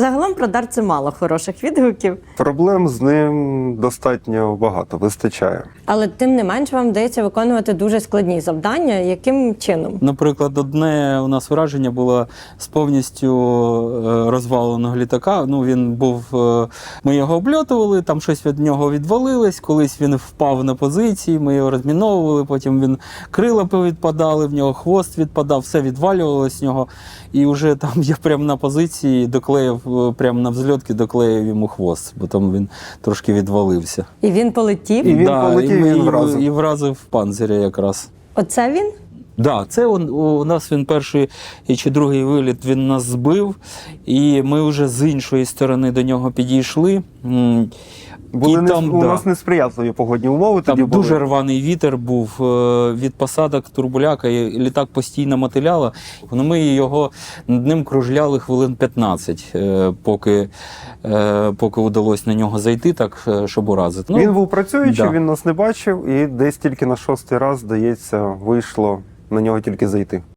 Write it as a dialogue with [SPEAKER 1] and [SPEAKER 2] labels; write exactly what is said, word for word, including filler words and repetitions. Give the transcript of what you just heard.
[SPEAKER 1] Загалом про дар це мало хороших відгуків.
[SPEAKER 2] Проблем з ним достатньо багато, вистачає.
[SPEAKER 1] Але тим не менш вам вдається виконувати дуже складні завдання. Яким чином?
[SPEAKER 3] Наприклад, одне у нас враження було з повністю е, розваленого літака. Ну, він був, е, ми його обльотували, там щось від нього відвалилось, колись він впав на позиції, ми його розміновували, потім він крила повідпадали, в нього хвост відпадав, все відвалювалося з нього. І вже там я прямо на позиції доклеїв, прямо на взльотки доклеїв йому хвост, бо там він трошки відвалився.
[SPEAKER 1] І він полетів?
[SPEAKER 2] І він
[SPEAKER 3] да,
[SPEAKER 2] полетів,
[SPEAKER 3] і, ми-
[SPEAKER 2] і він
[SPEAKER 3] і-
[SPEAKER 2] вразив.
[SPEAKER 3] І вразив панциря якраз.
[SPEAKER 1] Оце він?
[SPEAKER 3] Да, це он, у нас він перший чи другий виліт він нас збив, і ми вже з іншої сторони до нього підійшли. М,
[SPEAKER 2] Були
[SPEAKER 3] і
[SPEAKER 2] не,
[SPEAKER 3] там,
[SPEAKER 2] у
[SPEAKER 3] да,
[SPEAKER 2] нас несприятливі погодні умови
[SPEAKER 3] там
[SPEAKER 2] тоді були.
[SPEAKER 3] дуже рваний вітер був е, від посадок турбуляка, і літак постійно мотиляло. Ну, ми його над ним кружляли хвилин п'ятнадцять, е, поки, е, поки вдалося на нього зайти, так, е, щоб уразити. Ну,
[SPEAKER 2] Він був працюючий,
[SPEAKER 3] да.
[SPEAKER 2] він нас не бачив, і десь тільки на шостий раз, здається, вийшло на нього тільки зайти.